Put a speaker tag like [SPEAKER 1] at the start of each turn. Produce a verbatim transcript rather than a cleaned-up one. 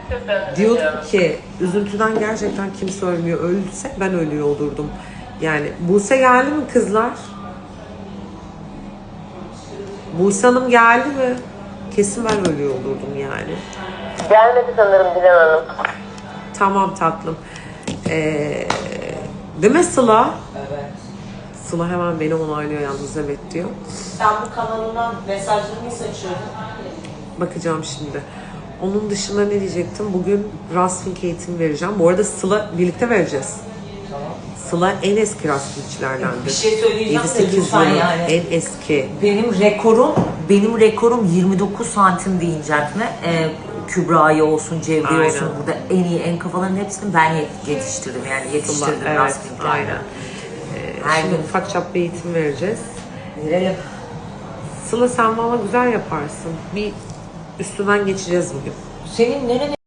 [SPEAKER 1] Diyordum ki üzüntüden gerçekten kimse ölmüyor. Ölse ben ölüyor olurdum. Yani Buse geldi mi kızlar? Buse Hanım geldi mi? Kesin ben ölüyor olurdum yani.
[SPEAKER 2] Gelmedi sanırım Dilan Hanım.
[SPEAKER 1] Tamam tatlım. Ee, değil mi Sıla?
[SPEAKER 3] Evet.
[SPEAKER 1] Sıla hemen beni onaylıyor yalnız, evet diyor.
[SPEAKER 3] Sen bu kanalından mesajlarını seçiyordun.
[SPEAKER 1] Bakacağım şimdi. Onun dışında ne diyecektim? Bugün Rustfink eğitimi vereceğim. Bu arada Sıla birlikte vereceğiz.
[SPEAKER 3] Tamam.
[SPEAKER 1] Sıla en eski Rustfinkçilerdendir.
[SPEAKER 3] Bir şey söyleyeceğim
[SPEAKER 1] yedi
[SPEAKER 3] de
[SPEAKER 1] sekiz
[SPEAKER 3] lütfen
[SPEAKER 1] yılı
[SPEAKER 3] yani.
[SPEAKER 1] en eski.
[SPEAKER 3] Benim rekorum, benim rekorum yirmi dokuz santim deyinecek mi? Ee, Kübra'yı olsun, Cevriye
[SPEAKER 1] Aynen.
[SPEAKER 3] olsun, burada en iyi, en kafaların hepsini ben yetiştirdim. Yani yetiştirdim
[SPEAKER 1] Evet,
[SPEAKER 3] Rustfink'lerden.
[SPEAKER 1] aynen. Ee,
[SPEAKER 3] Her
[SPEAKER 1] şimdi
[SPEAKER 3] gün.
[SPEAKER 1] ufak çaplı eğitim vereceğiz.
[SPEAKER 3] Verelim.
[SPEAKER 1] Sıla sen valla güzel yaparsın. Bir üstünden geçeceğiz bugün.
[SPEAKER 3] Senin nerene